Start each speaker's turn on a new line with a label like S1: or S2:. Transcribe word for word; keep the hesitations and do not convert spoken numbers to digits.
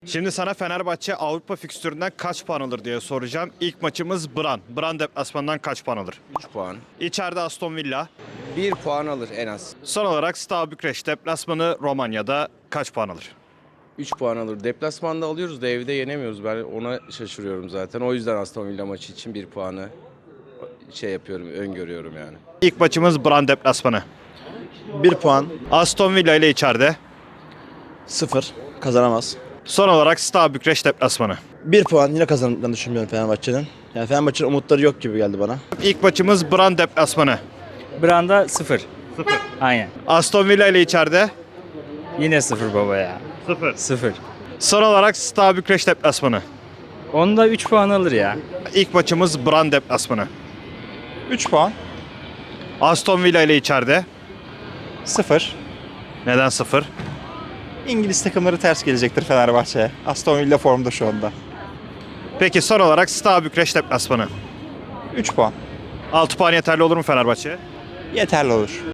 S1: Şimdi sana Fenerbahçe Avrupa fikstüründen kaç puan alır diye soracağım. İlk maçımız Bran. Bran deplasmanından kaç puan alır?
S2: üç puan.
S1: İçeride Aston Villa.
S2: bir puan alır en az.
S1: Son olarak Steaua Bükreş deplasmanı Romanya'da kaç puan alır?
S2: üç puan alır. Deplasmanda alıyoruz da evde yenemiyoruz. Ben ona şaşırıyorum zaten. O yüzden Aston Villa maçı için bir puanı şey yapıyorum, öngörüyorum yani.
S1: İlk maçımız Bran deplasmanı.
S3: bir puan.
S1: Aston Villa ile içeride.
S3: sıfır. Kazanamaz.
S1: Son olarak Steaua Bükreş deplasmanı.
S3: bir puan yine kazanacağını düşünmüyorum Fenerbahçe'nin. Yani Fenerbahçe'nin umutları yok gibi geldi bana.
S1: İlk maçımız Bran deplasmanı.
S4: Branda sıfır.
S1: Sıfır.
S4: Aynen.
S1: Aston Villa ile içeride.
S4: Yine sıfır baba ya.
S1: Sıfır.
S4: Sıfır.
S1: Son olarak Steaua Bükreş deplasmanı.
S4: Onda üç puan alır ya.
S1: İlk maçımız Bran deplasmanı.
S5: üç puan.
S1: Aston Villa ile içeride.
S5: sıfır.
S1: Neden sıfır?
S5: İngiliz takımları ters gelecektir Fenerbahçe'ye. Aston Villa formda şu anda.
S1: Peki son olarak Steaua Bükreş deplasmanı.
S5: üç puan.
S1: altı puan yeterli olur mu Fenerbahçe'ye?
S5: Yeterli olur.